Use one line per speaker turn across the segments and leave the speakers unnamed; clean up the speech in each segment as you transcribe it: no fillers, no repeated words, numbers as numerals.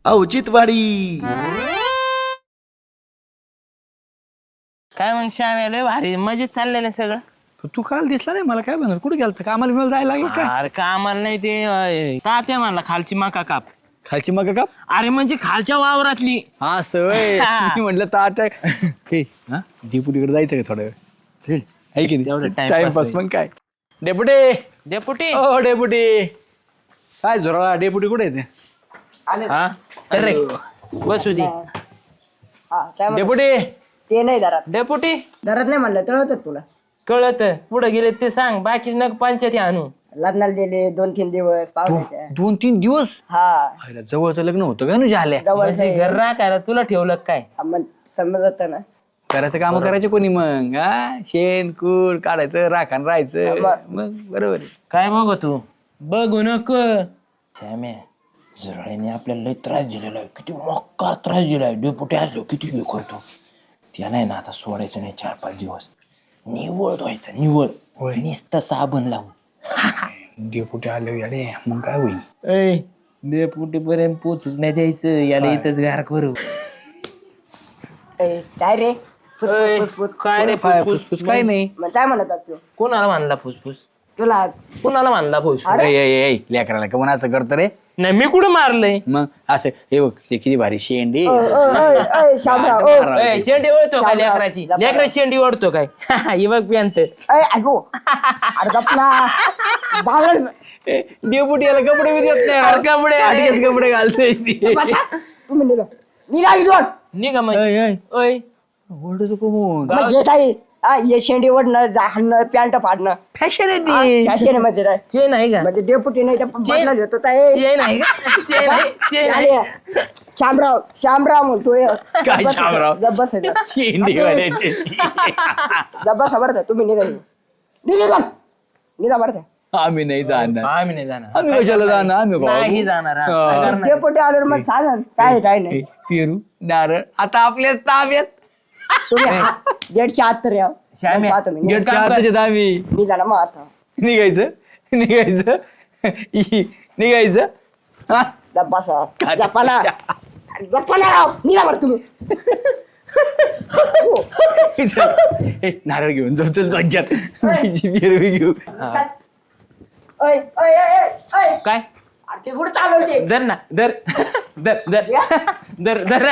औचित्यवाडी.
काय मग श्याम लय भारी मजेत चाललेलं सगळं.
तू काल दिसला नाही मला, काय म्हणणार कुठे गेलता, कामाला बिमाला जायला लागलं काय?
अरे कामाला नाही ते तात्या म्हणला खालची मका काप.
खालची मग का?
अरे म्हणजे खालच्या वावरातली.
हा सवय मी म्हटलं तर आता डेपुटीकडे जायचं का थोडं वेळ? चल आहे की
तेवढं
नाही
time
टाइमपास.
pass
मग काय डेपुटी,
डेपुटी
ओ डेपुटी, काय झोराळा डेपुटी कुठे येते?
हा सर रे बसू दे.
डेपुटी
ते नाही दारात
डेपुटी
दारात नाही म्हणलं तर होतं तुला.
कळत पुढे गेले ते सांग, बाकी नग पंचायती आणू.
लग्नाला गेले 2-3 दिवस पाहुण्याच्या.
2-3 दिवस
हा
जवळचं लग्न होतं का? ना झाल्या
म्हणजे घर राखायला तुला ठेवलं काय?
मग समजत ना.
करायचं काम करायचे कोणी मग? हा शेण कूड काढायचं, राखान राहायचं, मग बरोबर आहे.
काय बघ तू बघू नको. श्याम्या झुरळ्याने आपल्याला लय त्रास दिलेला आहे, किती मोक्का त्रास दिलाय. डेपुटी आलो किती हे करतो त्या नाही ना. आता सोडायचं नाही 4-5 दिवस. निवळ धुवायचं, निवळ नुसतं साबण लावून.
डेपुटी आले अरे मग काय होईल?
ऐ डेपुटी पर्यंत पोचूच नाही द्यायचं, याला इथंच गार करू.
काय रे
ऐ, काय रे फुसफुस?
काय नाही.
मग काय म्हणत होता तू?
कोणाला मानला फुसफुस?
तुला
कोणाला मानला फुसफुस?
लेकराला का म्हणून असं करतो रे?
नाही मी कुठे मारलंय?
मग असं हे बघ ते किती भारी शेंडी.
शामराव
ऐ, शेंडी ओढतो काय लेकराची? लेकराची शेंडी ओढतो काय? ही बघ पॅन्ट.
ऐकू अरे गपला बावळ
डेपुटी याला कपडे बी देत नाही.
अरे कपडे अरे.
आडकेच कपडे घालतोय ती.
तुम्ही निघा इथून.
निघा म्हणजे ओय
ओरडतो कोण?
मग येत आहे हे शेंडी ओढणं हाणणं पॅन्ट फाडणं
फॅशन आहे ती.
फॅशन मध्ये काय
चेन आहे का?
म्हणजे डेपुटी नाही तर बदला देतो
चेन आहे का? चेन आहे, चेन आहे.
शामराव म्हणतोय.
काय शामराव?
बस
शेंडी वाल्याची.
बस बरं तुम्ही निघा निघा निघा बरं
आम्ही नाही जाणार.
आम्ही नाही जाणार.
आम्ही कशाला जाणार? आम्ही
नाही जाणार. हा. काय करणार?
डेपुटी आल्यावर मग सांगा काय नाही
पेरू नारळ आता आपल्या ताब्यात.
तुम्ही गेटच्या आत तर या
श्याम्या,
पाहतो मी.
गेटच्या
काम कर.
आताच येत आम्ही.
निघा ना मग आता
निघायचं निघायचं हा?
बसा जपाला जपाला राव निघा बरं तुम्ही.
ए, नारळ घेऊन जाऊ चल दोन-चार. पेरू घेऊ.
ऐ, ऐ, ऐ, ऐ, ऐ.
काय
अरे ते कुठं चालवते
धर ना धर धर धर धर धर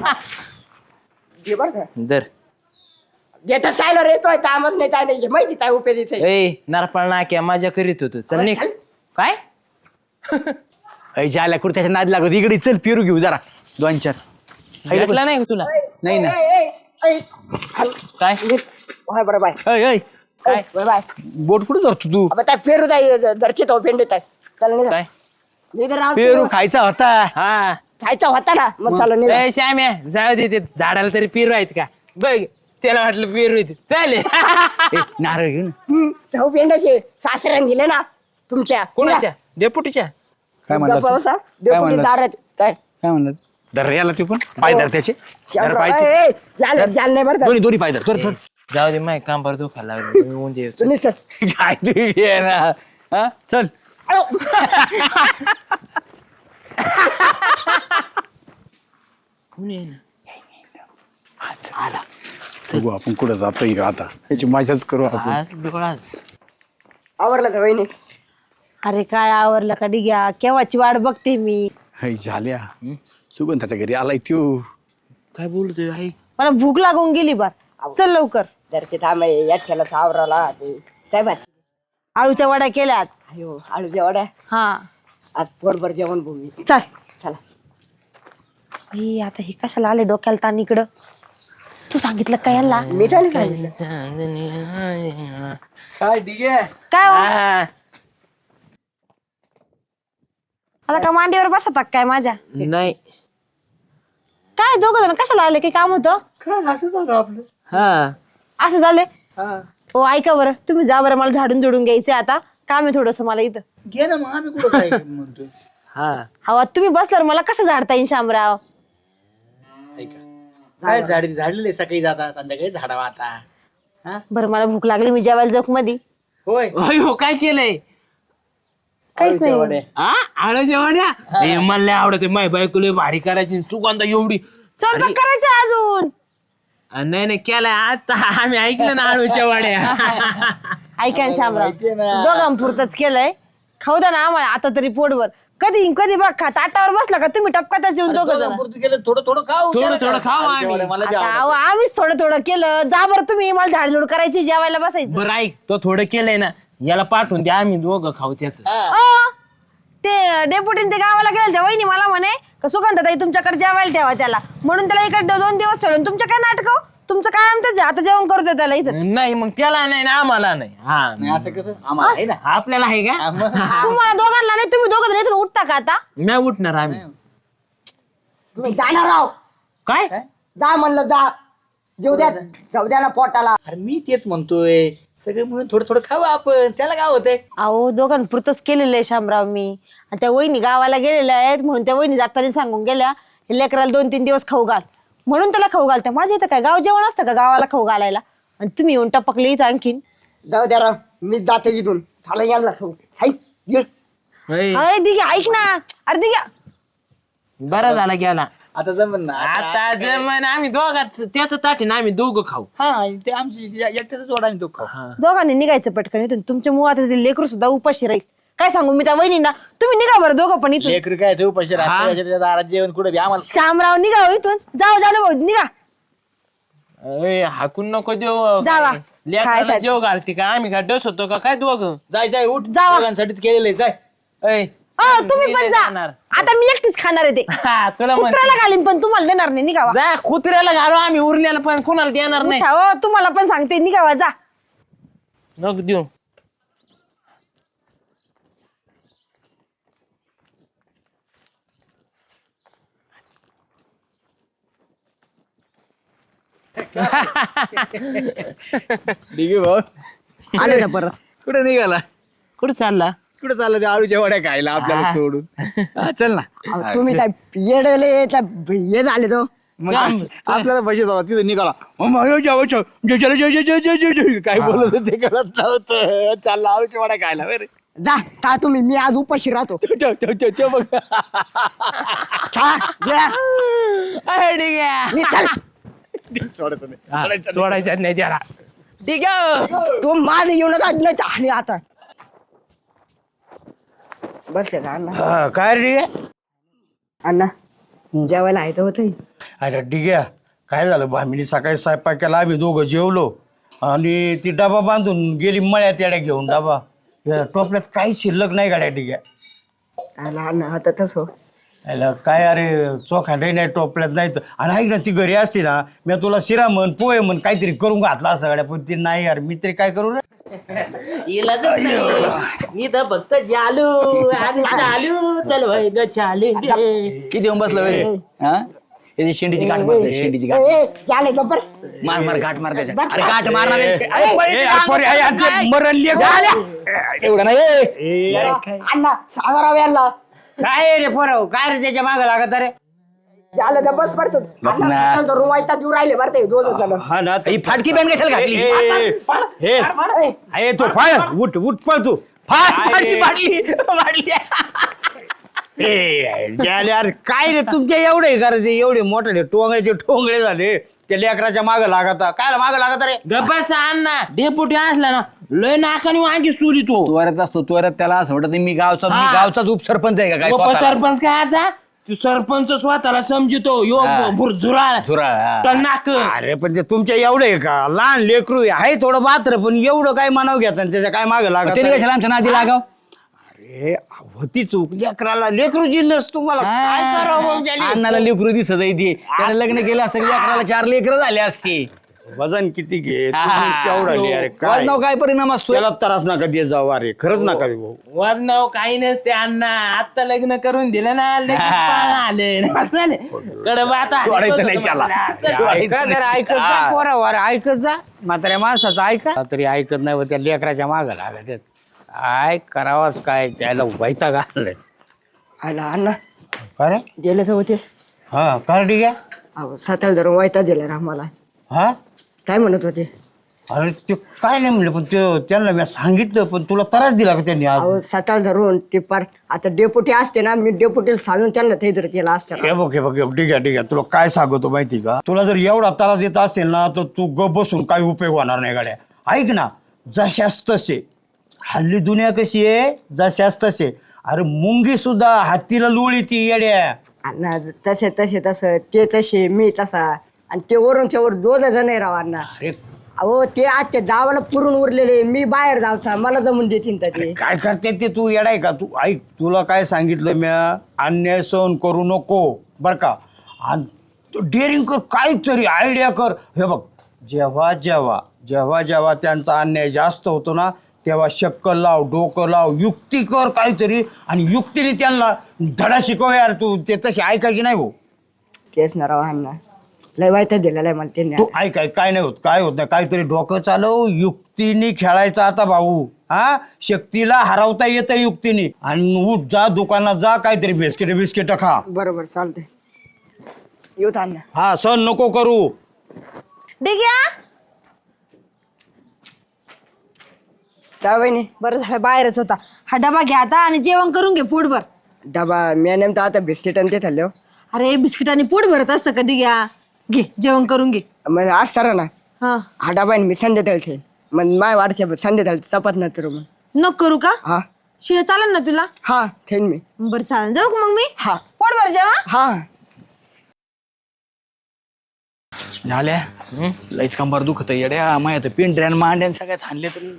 घे बरं का
धर.
घेतात चायला रे तो कामच नाही काय नाही माहिती काय उपयोगीच आहे.
ए नारपाळ नाक्या माझ्या करीत होतो. चल निघ. काय
ऐच्या आल्या कुर्त्याच्या नाद लागत इकडे चल पेरू घेऊ जरा 2-4.
भेटला नाही का तुला?
नाही ना.
ऐ, ऐ, ऐ.
काय
हाय बरं बाय
ऐ ऐ
काय
बाय बाय
बोट कुठं धरतो तू?
अब त्या पेरू जाय घरचे तो पेंडत आहे चल निघा
काय
निघा राव
पेरू खायचा होता.
हा
खायचा होता ना मग चला निघा
ए श्याम्या जाऊ दे ते झाडाला तरी पेरू आहेत का बघ. त्याला वाटलं पेरू आहेत. चालेल.
ए, नारळ घेऊ ना.
भाऊ पेंडाचे सासऱ्यान दिले ना तुमच्या
कोणाच्या? डेपुटीच्या?
काय म्हणला तू?
पावसा
काय
डेपुटी
म्हणला?
दारात काय
काय म्हणलं? धर रे याला तू पण पाय धर त्याचे. धर पाय
ऐ, ऐ, जाल जाल नाही बरं का?
दोन्ही पाय धर धर.
जाऊ दे माय काम बरं दुखायला लागलं. म्हणजे
तुम्ही चल.
काय तू ये ना हा चल.
कोण आहे ना?
बघू आपण कुठं जातोय का आता याची मजाच करू आपण.
आज डोळाच
आवरलं का वहिनी
अरे काय आवरलं का डिग्या केव्हाची वाट बघते मी.
हे झाल्या सुगंधाच्या घरी आलाय त्यो.
काय बोलतोय आई?
मला भूक लागून गेली बार. चल लवकर.
जरचे थांब याठ्याला सावराला ते काय भाषी
आळूच्या वड्या केल्या आज.
अयो आळू जेवढ्या
हा
आज पोटभर जेवण भूमी
चल.
चला
ही आता हे कशाला आले डोक्याला ताण इकडं. तू सांगितलं काय यांना?
मी काय नाही सांगितलं
काय ठीक आहे.
काय हो?
हा.
आता का मांडीवर बसतात काय माझ्या?
नाही
काय दोघ जण कशाला आले? काही काम होतं?
काय असं सांगा आपलं
हा
असं झाले? हो ऐका बरं तुम्ही जा बरं मला झाडून झुडून घ्यायचंय आता. काम आहे थोडस मला इथं.
घे ना मग आम्ही कुठं काय म्हणतो
हा
हवा तुम्ही बसल्यावर मला कसं झाडता येईल शामराव?
काय झाडलेले सकाळी जाता संध्याकाळी झाडावा आता
बरं मला भूक लागली मी जेवायला जोक मध्ये.
होय
होय हो काय केलंय?
काहीच नाही
हा आळूच्या वड्या हे मला लय आवडते माय बायको लय भारी करायची सुगंध एवढी
स्वयंपाक करायचा अजून.
नाही नाही केलाय आता आम्ही ऐकलं ना आळूच्या वड्या
ऐका ना शामराव,
माहितीये ना.
दोघांपुरतच केलंय. खाऊ द्या ना आम्हाला आता तरी पोटभर. कधी कधी बघ खा ताटावर बसला का तुम्ही टपकातच येऊन दोघं जण.
पुरतं केलं थोडं थोडं खाऊ
थोडं
त्याला
थोडं
काय?
खाऊ आम्ही.
जेवढं मला बी
आता
आवडतं.
अहो, आम्हीच थोडं थोडं केलं. जा बरं तुम्ही, मला झाडझूड करायची, जेवायला बसायचं.
बरं ऐक तो थोडं केलंय ना याला पाठवून द्या आम्ही दोघं खाऊ त्याच
ते डेपुटीन ते गावाला गेले त्या वहिनी मला म्हणे का सुगंधताई तुमच्याकडे जेवायला ठेवा त्याला, म्हणून त्याला इकडे 2 दिवस ठेवलं. तुमच्या काय नाटक, तुमचं काय आमचं आता जेवण करू दे त्याला इथं.
नाही मग त्याला नाही ना आम्हाला नाही हा
नाही असं कसं आम्हाला आहे ना.
आपल्याला आहे का
तुम्हाला दोघांना नाही, तुम्ही दोघं जण इथून उठता का आता?
नाही उठणार आम्ही
तुम्ही जाणार राव.
काय
जा म्हणलं जा. जेऊ द्या, जाऊ द्या ना पोटाला.
अरे मी तेच म्हणतोय सगळं म्हणून थोडं थोडं खाऊ आपण, त्याला काय होतंय.
अहो दोघांपुरतच केलेलं आहे शामराव मी. आणि त्या वहिनी गावाला गेलेल्या आहेत म्हणून त्या वहिनी जाताना सांगून गेल्या हे लेकराला 2-3 दिवस खाऊ घाल, म्हणून त्याला खाऊ घालत्या. माझ्या इथं काय गाव जेवण असतं का गावाला खाऊ घालायला? आणि तुम्ही येऊन टपकले इथं आणखीन.
जाऊ द्या राव, मी जातो इथून. झालं यायला खाऊ. हाय, ये.
होय.
अरे दिघ्या ऐक ना, अरे दिघ्या
बरं झाला गेला
आता जमन ना
आता जमन आम्ही दोघात त्याच ताटी ना आम्ही दोघं खाऊ
हा ते आमची एकट्याच जोडा आणि तो खाऊ.
दोघांनी निघायचं पटकन इथून. तुमच्या मुळात ते लेकरू सुद्धा उपाशी राहील. काय सांगू मी त्या वहिनींना, तुम्ही निघा बरं दोघं पण इथून.
लेकरं काय ते उपाशी राहते, त्याच्या दारात जेवण कुठे बी आम्हाला.
शामराव निघा हो इथून. जाऊ जाणू भाऊ निघा.
अय, हाकून नको देऊ
जावा.
लेकराला
खायसाठी.
जेव घालते का आम्ही काय डस होतो का काय दोघं
जाय जाय उठ,
जावा.
दोघांसाठीच केलेलं आहे, जाय.
अय,
तुम्ही
मी
पण
नाही
जा.
जाणार.
आता मी एकटीच खाणार आहे ते.
हा, तुला म्हणते.
कुत्र्याला घालीन पण तुम्हाला देणार नाही. निघावा.
जा कुत्र्याला घालू आम्ही उरलेला पण कोणाला देणार नाही
उठा हो, तुम्हाला पण सांगते निघावा. जा.
नको देऊ
ठीक आहे भाऊ.
आले ना परत.
कुठे निघाला,
कुठं चालला
कुठे चाललं ते आळूच्या वड्या खायला आपल्याला सोडून. हा, चल ना.
अहो, तुम्ही काय येडले हे झाले तो.
मग आपल्याला पैसे जातात तिथे निघाला. काय बोलत होते कळत नव्हतं. चालला आळूच्या वड्या खायला बरं.
जा खा तुम्ही, मी आज उपाशी राहतो.
बघ
खा, या.
अय, ठीक आहे.
मी चल.
सोडायचं नाही.
हा, सोडायचं नाही त्याला ठीक आहे
तो माझ येऊनच नाही आणि आता बसले का अण्णा?
काय रे
अण्णा जेवायला आहे तर होतं.
अरे डिग्या काय झालं भामिनी सकाळी स्वयंपाक केला आम्ही दोघं जेवलो आणि ती डबा बांधून गेली मळ्यात येड्या घेऊन डबा या टोपल्यात काही शिल्लक नाही गाड्या डिग्या
अण्णा आता तसं
याला काय अरे चोखांडही नाही टोपल्यात नाही तर आणि ऐक ना ती घरी असती ना मी तुला शिरा म्हण पोहे म्हण काहीतरी करून घातला असं गाड्या पण ती नाही यार मी तरी काय करू रे
मी तर फक्त चालू आणि चालू चल भाई ग चालू
किती येऊन बसलं वय हा याची शेंडीची गाठ मारते शेंडीची गाठ
चाले गप्पर.
मार मार गाठ मार त्याच्या अरे गाठ मारणार आहेस काय? अरे,
ए,
पळीची
अरे, पोरी,
गाठ.
अरे, ते मरण लेक.
एवढं नाही ए.
अण्णा सागराव यांना
काय रे पोराव काय रे त्याच्या मागं लागत अरे
झालं तर बस करतो. अण्णा रुवायता देऊ राहिले बरं ते 2 जण.
हा ना
ही फाटकी बॅन कशाला घातली
हे तो फाय उठ उठ पळ तू
फाटकी फाटली
यार काय रे तुमच्या एवढे करायचे एवढे मोठे टोंगळ्याचे ठोंगळे झाले त्या लेकराच्या मागं लागता काय मागं लागत रे
गप्पाचा अण्णा डेपुटी असला ना लय नाकाने वांगी सुरी तो
त्वरत असतो त्वरत त्याला असं वाटत मी गावचाच उपसरपंच आहे का काय स्वतःला?
सरपंच काय आजा तू सरपंच स्वतःला समजितो यो झुराळ
झुराळ, हा.
तर नाक
अरे पण ते तुमच्या एवढे आहे का लहान लेकरू आहे थोडं बात्र पण एवढं काय मानाव घेता त्याच्या काय मागं लागत
त्याने कशाला आमच्या नादी लागाव
अरे होती चूक लेकराला लेकरू जिन्नस तुम्हाला काय करावं ज्याने?
अण्णाला लेकरू दिसत आहे ती त्याने लग्न केलं असतं लेकराला 4 लेकरं झाले असते
वजन किती घे केवढा अरे काय
वजनावर काय परिणाम असतो
त्याला त्रास नका देत जाऊ अरे खरंच नका देऊ भाऊ.
वजनाव काही नसते अण्णा आता लग्न करून दिलं ना आले कडब आता
सोडायचं नाही त्याला.
ऐका जरा ऐकत जा पोरावर ऐकत जा म्हाताऱ्या माणसाचं ऐका तरी ऐकत नाही व त्या लेकराच्या मागं लागत आहेत. काय करावाच काय त्याला वैता घालय
आला अण्णा
अरे
गेले तर होते.
हा कर ठीक आहे
अहो 7 धरून वायता दिला रे आम्हाला.
हा
काय म्हणत होते?
अरे ते काय नाही म्हणलं, पण त्यांना मी सांगितलं, पण तुला त्रास दिला का त्यांनी आज?
अहो सकाळ धरून ते पार आता डेपुटी असते ना, मी डेपुटीला सांगून त्यांना ते जर केलं असतं
हे बघ ठीक आहे तुला काय सांगतो माहिती का, तुला जर एवढा त्रास देत असेल ना तर तू गप बसून काही उपयोग होणार नाही गाड्या. ऐक ना, जशास तसे हल्ली दुनिया कशी आहे, जशास तसे. अरे मुंगी सुद्धा हत्तीला लोळी ती येड्या.
अण्णा तसे ते तसे मी तसा, आणि ते वरूनच्या वर 2 जण आहे राव अण्णा.
अरे
अहो ते आज ते गावाला पुरून उरलेले, मी बाहेर जावचा, मला जमून देतील तर ते.
काय करते ते, तू येडाय का? तू ऐक, तुला काय सांगितलं म्या, अन्याय सहन करू नको बर का. आणि डेअरिंग कर, काहीतरी आयडिया कर. हे बघ, जेव्हा जेव्हा जेव्हा जेव्हा त्यांचा अन्याय जास्त होतो ना, तेव्हा शक्कल लाव, डोकं लाव, युक्ती कर काहीतरी, आणि युक्तीने त्यांना धडा शिकव यार. तू ते तशी ऐकायची नाही भाऊ.
तेच ना राव अण्णा, लय वाईट दिलेलं आहे मला त्यांनी.
तू ऐक, काय नाही होत, काय होत नाही, काहीतरी डोकं चालव, युक्तीने खेळायचं आता भाऊ. हा, शक्तीला हरवता येतं युक्तीने. आणि उठ, जा दुकानात जा, काहीतरी बिस्किट खा.
बरोबर चालतंय, येऊत अण्णा.
हा, सण नको करू.
डिग्या
त्या वहिनी
बरं झालं बाहेरच होता. हा डबा घ्या आता आणि जेवण करून घे पोटभर.
डबा मी नेमतं आता बिस्किट आणि ते खाल्ले.
अरे बिस्किटांनी पोट भरत असतं कधी घ्या, घे जेवण करून घे.
मग आज सरा ना
हा
हा डबा आहे, मी संध्याकाळी ठेन. मग माय वाढच्या संध्याकाळी चपात न करू मग.
नको करू का?
हा
शिळ चालेल ना तुला?
हा ठेन मी.
बरं चालेल, जाऊ का मग मी?
हा
पोटभर जेवा.
हा
झाल्या लईच कंबर दुखत येड्या, माहिती पिंढऱ्यान मांड्यान सगळ्यात हाणले तरी.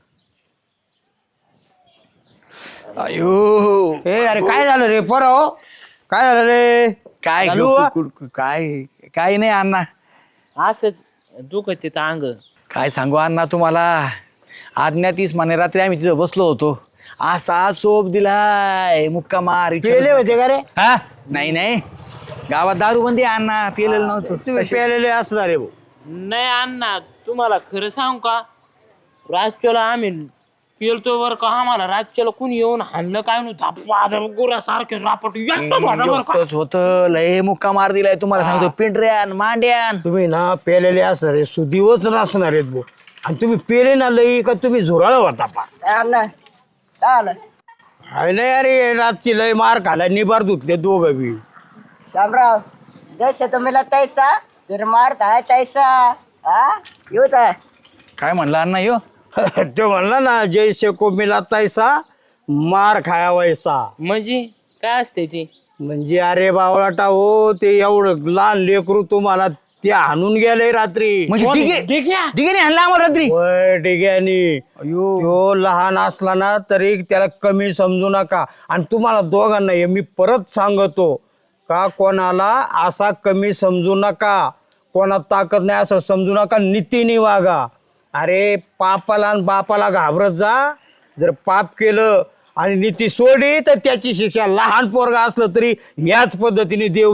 अयो
ए अरे काय झालं रे पोराओ, काय झालं रे?
काय
चालू
ग-
आ?
काय काय नाही अण्णा,
असंच दुखत तिथं अंग.
काय सांगू अण्णा तुम्हाला. आज्ञा 30 माने रात्री आम्ही तिथं बसलो होतो, असा चोप दिलाय मुक्का मार.
पेले होते का रे?
हा नाही नाही, गावात दारू बंदी अण्णा, पिलेलं नव्हतं.
तुम्ही पेलेले असणार रे भाऊ.
नाही अण्णा, तुम्हाला खरं सांगू का, राजच्याला आम्ही पेलतो बरं का. आम्हाला राजच्याला कुणी येऊन हाणलं काय नाही, गोरा सारखे रापट
एकटंच होतं, लय मुक्का मार दिलाय तुम्हाला सांगतो. पिंढऱ्यान मांड्यान
तुम्ही ना पेलेले असणार आहे, सुदीवच नसणार आहेत भाऊ. आणि तुम्ही पेले ना लई का तुम्ही झुराळ होता पा.
अण्णा काय आलं?
हाय नाही अरे, रातची लय मार खाला, निबार धुतले दोघं बी.
शामराव जैसे तो मिला तैसा फिर मारता है तैसा. हा येऊत आहे.
काय म्हणला अण्णा यो?
तो म्हणला ना, जैसे को मिला तैसा मार खाया वैसा.
म्हणजे काय असते ती?
म्हणजे अरे बावळाटा हो, ते एवढं लहान लेकरू तुम्हाला ते हाणून गेले रात्री.
म्हणजे
कोण?
ठीक आहे
ठीक आहे.
ठीक आहे हाणला आम्हाला रात्री.
होय डिग्यानी.
अयो
तो लहान असला ना तरी त्याला कमी समजू नका. आणि तुम्हाला दोघांना हे मी परत सांगतो का, कोणाला असा कमी समजू नका, कोणात ताकद नाही असं समजू नका, नीतीने वागा. अरे पापाला आणि बापाला घाबरत जा. जर पाप केलं आणि नीती सोडली तर त्याची शिक्षा लहान पोरगा असलं तरी याच पद्धतीने देव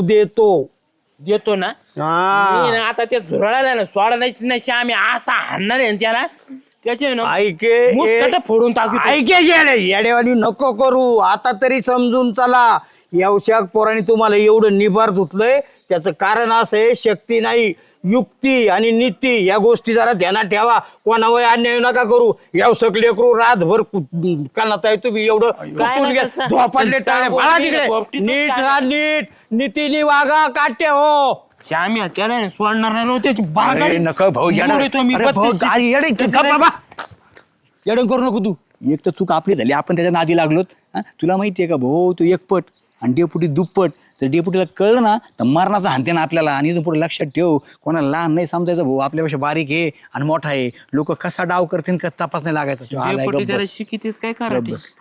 देतो ना.
हा.
मी ना आता त्या झुरळाला ना सोडा नाही, आम्ही असा हाणणार आहे ना त्याला, त्याचे ना मुस्कटं फोडून टाकू.
ऐके येडेवानी नको करू. आता तरी समजून चला. यवशाक पोराने तुम्हाला एवढं निभार धुतलंय, त्याचं कारण असं आहे, शक्ती नाही युक्ती आणि नीती या गोष्टी जरा ध्यानात ठेवा. कोणावर अन्याय नका करू. यवसक लेकरू रातभर कानात आहे तुम्ही एवढं कुठून
नाही
घ्या,
तसं.
धोपाटले टाळे फाळा तिकडे.
पोपटीतून
नीट
काय?
राहा, नीट नीतीने वागा, काट्या हो.
श्याम्या त्याला ना सोडणार नाही, त्याची
अरे
बागाडी
नका भाऊ येडं.
मोडीतो मी
अरे भाऊ,
32.
काय येडं इतकं का बाबा? येडं करू नको तू. एक तर चूक आपली झाली, आपण त्याच्या नादी लागलोत. हा? तुला माहितीये का भाऊ, तू एकपट आणि डेपुटी दुप्पट. तर डेपुटीला कळलं ना तर मरणाचा हानते ना आपल्याला. आणि इथून पुढे लक्षात ठेव, कोणाला लहान नाही समजायचं भाऊ, आपल्यापेक्षा बारीक आहे आणि मोठा आहे. लोक कसा डाव करतील का तपास नाही लागायचा. तो आलाय
डेपुटी
गप्प
त्याला
बस.
शिकित काय कराटे.
बस.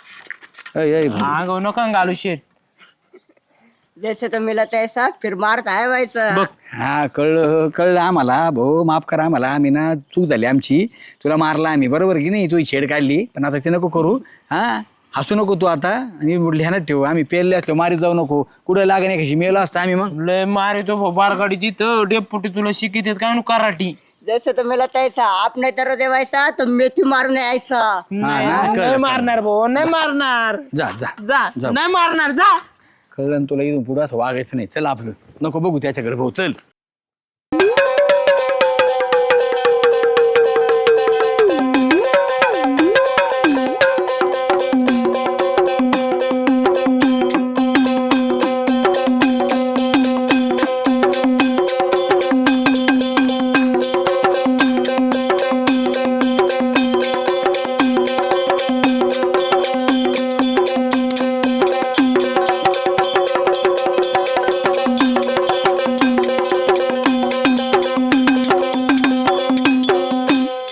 ऐ, ऐ, भाऊ.
अंगाव नका घालू शेट.
जैसे तो मिला तैसा फिर मारता है वैसा.
बघ
हा कळलं आम्हाला भाऊ, माफ करा आम्हाला. आम्ही ना चूक झाली आमची, तुला मारला आम्ही, बरोबर की नाही. तू छेड काढली, पण आता ते नको करू. हा हसू नको तू आता. आणि ध्यानात ठेवू, आम्ही पेरले असलो मारीत जाऊ नको. कुठं लागे नाही कशी मेलो असतं आम्ही मग.
लय मारितो बारगाडी तिथं. डेपुटी तुला शिकित काय नु कराटी.
जैसे तो मिला तैसा आपने तरह दे वैसा तो मेथी मारने ऐसा.
नाही
ना, कळलं,
नाही मारणार भाऊ, नाही मारणार.
जा जा
जा नाही मारणार, जा.
कळलं ना तुला. इथून पुढं असं वागायचं नाही. चल आपलं नको बघू त्याच्याकडे भाऊ, चल.